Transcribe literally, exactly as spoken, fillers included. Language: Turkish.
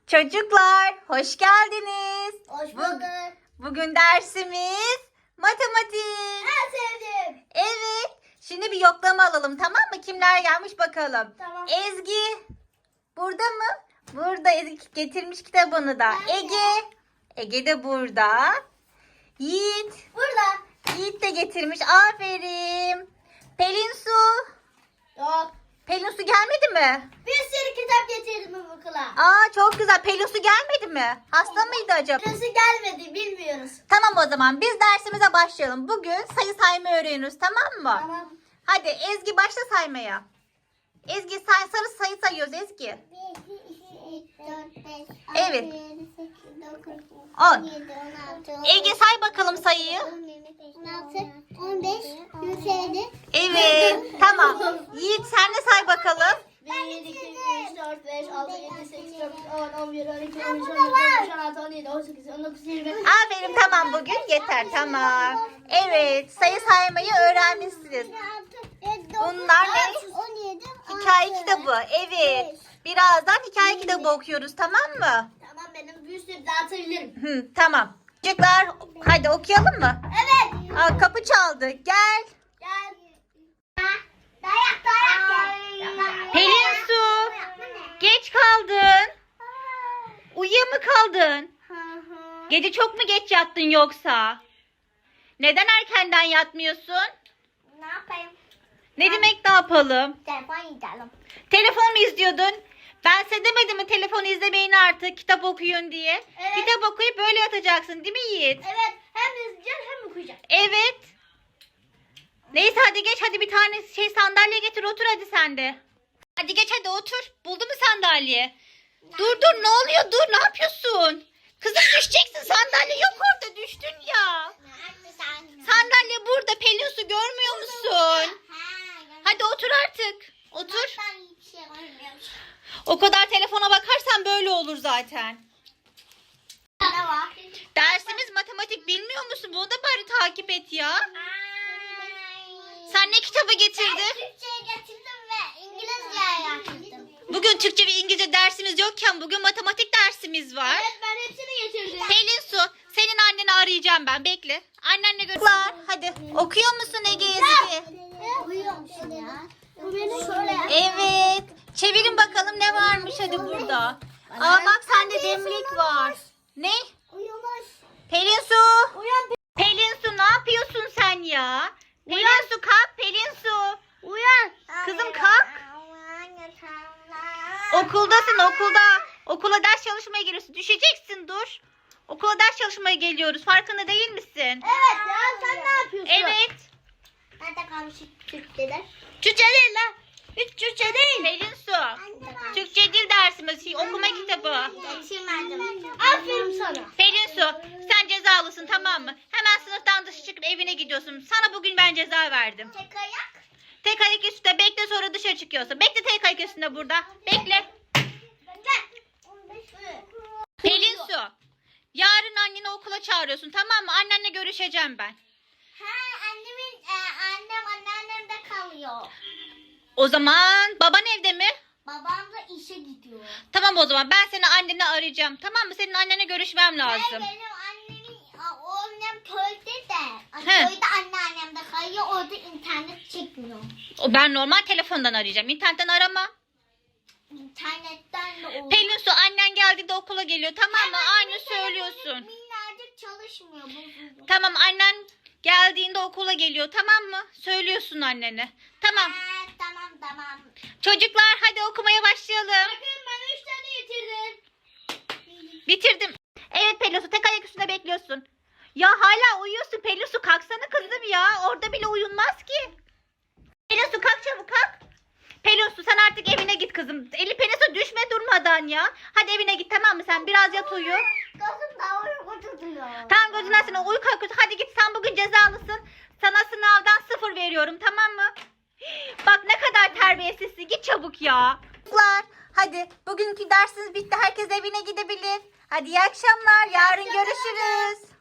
Çocuklar, hoş geldiniz. Hoş Bu- bulduk. Bugün dersimiz matematik. En sevdim. Evet. Şimdi bir yoklama alalım, tamam mı? Kimler gelmiş bakalım. Tamam. Ezgi burada mı? Burada. Ezgi getirmiş kitabını da. Ben de. Ege. Ege de burada. Yiğit. Burada. Yiğit de getirmiş. Aferin. Pelin Su. Yok. Pelin Su gelmedi mi? Bir sürü kitap getirdim okula. Aa, çok güzel. Pelin Su gelmedi mi? Hasta mıydı acaba? Nasıl gelmedi bilmiyoruz. Tamam, o zaman biz dersimize başlayalım. Bugün sayı saymayı öğreniyoruz, tamam mı? Tamam. Hadi Ezgi başla saymaya. Ezgi say, sarı sayı sayıyoruz Ezgi. Evet. On. Ege say bakalım sayıyı. on altı, on beş, yüz elli. Evet, tamam. Yiğit sen de say bakalım. bir, iki, üç, dört, beş, altı, yedi, sekiz, dokuz, on, on bir, on iki, on üç, on dört, on altı, on yedi, on sekiz, on dokuz, yirmi. Aferin, tamam, bugün yeter, tamam. Evet, sayı saymayı öğrenmişsiniz. Bunlar ne? on yedi, Hikaye kitabı, evet. Birazdan hikaye kitabı okuyoruz, tamam mı? Tamam, benim bir sürü dağıtabilirim. Hı, tamam. Çocuklar, hadi okuyalım mı? Evet. Aa, kapı çaldı, gel. Gel. Dayak dayak. Pelin Su, geç kaldın. Uyuya mı kaldın? Gece çok mu geç yattın yoksa? Neden erkenden yatmıyorsun? Ne yapayım? Ne demek ne yapalım? Telefon izleyelim. Telefon mu izliyordun? Ben size demedim mi telefon izlemeyin artık, kitap okuyun diye? Evet. Kitap okuyup böyle yatacaksın değil mi Yiğit? Evet, hem izleyeceğim hem okuyacağım. Evet. Neyse hadi geç, hadi bir tane şey sandalye getir, otur hadi sen de. Hadi geç, hadi otur. Buldun mu sandalye? Dur dur, ne oluyor, dur, ne yapıyorsun? Kızım düşeceksin, sandalye yok orada, düştün ya. Sandalye burada, Pelin Su, görmüyor musun? Hadi otur artık. Otur. O kadar telefona bakarsan böyle olur zaten. Ne var? Dersimiz matematik, bilmiyor musun? Bunu da bari takip et ya. Sen ne kitabı getirdin? Türkçe'ye getirdim ve İngilizce'ye getirdim. Bugün Türkçe ve İngilizce dersimiz yokken bugün matematik dersimiz var. Evet, ben hepsini getirdim. Pelin Su, senin anneni arayacağım ben. Bekle. Annenle görüşürüz. Hadi. Okuyor musun Ege Ezgi? Uyuyor musun ya? Bu benim şöyle. Evet. Çevirin bakalım ne varmış hadi burada. Aa bak, sende demlik var. Ne? Uyumuş. Pelin Su. Uyan. Pelin Su, ne yapıyorsun sen ya? Pelin Su kalk, Pelin Su. Uyan. Kızım kalk. Okuldasın, okulda. Okula ders çalışmaya geliyorsun. Düşeceksin, dur. Okula ders çalışmaya geliyoruz. Farkında değil misin? Evet ya, sen ne yapıyorsun? Evet. Nerede kalmış Türkçeler? Türkçe değil lan. Hiç Türkçe değil. Pelin Su. Türkçe dil dersimiz. Okuma kitabı. Geçirmedim. Aferin sana. Pelin Su, sen cezalısın, tamam mı? Hemen sınıftan dışarı çıkıp evine gidiyorsun. Sana bugün ben ceza verdim. Tek ayak. Tek ayak üstünde bekle, sonra dışarı çıkıyorsun. Bekle tek ayak üstünde burada. Bekle. Pelin Su, yarın anneni okula çağırıyorsun, tamam mı? Annenle görüşeceğim ben. Ha, annemin e, annem anneannemde kalıyor. O zaman baban evde mi? Babam da işe gidiyor. Tamam, o zaman ben seni anneni arayacağım. Tamam mı? Senin annene görüşmem Ben lazım. benim annemin a, o annem köyde de. He. Köyde anneannem de kalıyor. Orada internet çekmiyor. O ben normal telefondan arayacağım. İnternetten arama. İnternetten de olur. Pelin Su, annen geldiğinde okula geliyor, tamam mı? Ama Aynı benim söylüyorsun. telefonum minnacık çalışmıyor. Bozuldu. Tamam, annen geldiğinde okula geliyor, tamam mı? Söylüyorsun annene. Tamam. Ha, tamam tamam. Çocuklar hadi okumaya başlayalım. Bakın, ben üç tane getirdim. Bitirdim. Evet Pelin Su, tek ayak üstünde bekliyorsun. Ya hala uyuyorsun Pelin Su, kalksana kızım ya. Orada bile uyunmaz ki. Pelin Su kalk, çabuk kalk. Pelin Su, sen artık evine git kızım. Eli Pelin Su, düşme durmadan ya. Hadi evine git, tamam mı? Sen biraz yat, uyu. Gözüm daha uyku tutuyor. Tamam, gözünden sana uyku akıyor. Hadi git, sen bugün cezalısın. Sana sınavdan sıfır veriyorum, tamam mı? Bak ne kadar terbiyesizsin. Git çabuk ya. Çocuklar hadi, bugünkü dersiniz bitti. Herkes evine gidebilir. Hadi iyi akşamlar. Yarın görüşürüz.